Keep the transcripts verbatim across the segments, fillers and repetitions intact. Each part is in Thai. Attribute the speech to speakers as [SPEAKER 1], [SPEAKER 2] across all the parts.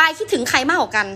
[SPEAKER 1] ายคิดถึงใครมากกว่ากัน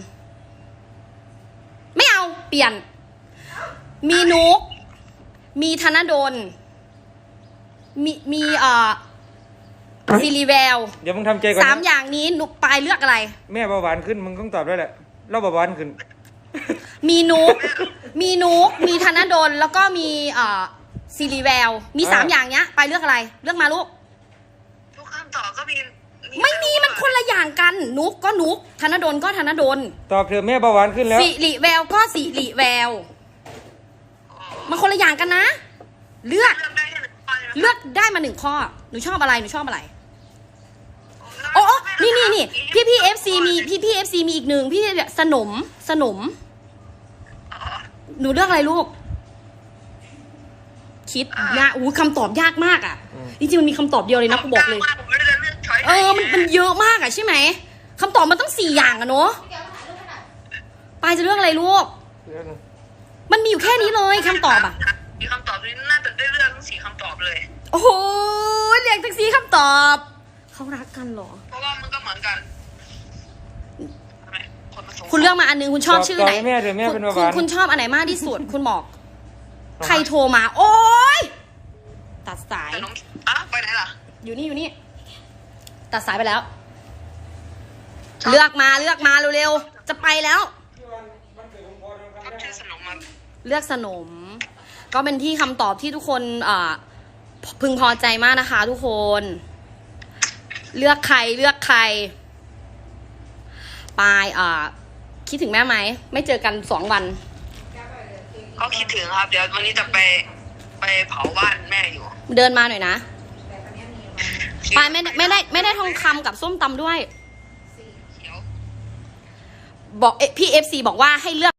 [SPEAKER 1] ไม่เอาเปลี่ยนมีนุกมีธนดลมีมีเอ่อซิริแวว
[SPEAKER 2] เดี๋ยวมึงทำใจก่อน
[SPEAKER 1] สามอย่างนี้นุกปลายเลือกอะไร
[SPEAKER 2] แม่เบาหวานขึ้นมึงต้องตอบได้แหละเราเบาหวานขึ้น
[SPEAKER 1] มีนุกมีนุกมีธนดลแล้วก็มีเอ่อซิริแววมีสามอย่างเนี้ยปลายเลือกอะไรเลือกมาลูก
[SPEAKER 3] ทุกคำตอบก็มี
[SPEAKER 1] ไม่มีมันคนละอย่างกันนุกก็นุกธนดลก็ธนดล
[SPEAKER 2] ตอบเถอะแม่เบาหวานขึ้นแล้ว
[SPEAKER 1] สิริแววก็สิริแววมันคนละอย่างกันนะเลือกเลือกได้มาหนึ่งข้อหนูชอบอะไรหนูชอบอะไรโอ้นี่นี่นี่พี่พี่เอฟซีมีพี่พี่เอฟซีมีอีกหนึ่งพี่สนมสนมหนูเลือกอะไรลูกคิดนะอู้คำตอบยากมากอ่ะจริงๆมันมีคำตอบเดียวเลยนะกูบอกเลยเออมันมันเยอะมากอ่ะใช่ไหมคำตอบมันต้องสี่อย่างอะเนาะปายจะเลือกอะไรลูกมันมีอยู่แค่นี้เลยคำตอบอ่ะ
[SPEAKER 3] มีคำตอบนี้น่าจะได้เลือกทั้งสี่คำตอบเลย
[SPEAKER 1] โอ้โหเรียกทั้งสี่คำตอบเขารักกันเหรอ
[SPEAKER 3] เพราะว่ามันก็เหมือนกัน
[SPEAKER 1] คุณเลือกมาอันนึงคุณชอบชื่อไหน
[SPEAKER 2] แม่เดี๋ยวแม่เป็นเบาห
[SPEAKER 1] คุ
[SPEAKER 2] วา
[SPEAKER 1] ณ
[SPEAKER 2] น
[SPEAKER 1] คุณชอบอันไหนมากที่สุดคุณบอกใครโทรมาโอ๊ยตัดสาย
[SPEAKER 3] อ่ะไปไหนล่ะ
[SPEAKER 1] อยู่นี่อยู่นี่ตัดสายไปแล้วเลือกมาเลือกมาเร็วๆจะไปแล้ว
[SPEAKER 3] ชื่อสนมมา
[SPEAKER 1] เลือกสนมก็เป็นที่คำตอบที่ทุกคนอ่าพึงพอใจมากนะคะทุกคนเลือกใครเลือกใครปายอ่าคิดถึงแม่ไหมไม่เจอกันสองวัน
[SPEAKER 3] ก็คิดถึงครับเดี๋ยววันนี้จะไปไปเผาบ้านแม่อยู่
[SPEAKER 1] เดินมาหน่อยนะปายไม่ไม่ได้ไม่ได้ทองคำกับส้มตำด้วยบอกพี่เอฟซีบอกว่าให้เลือก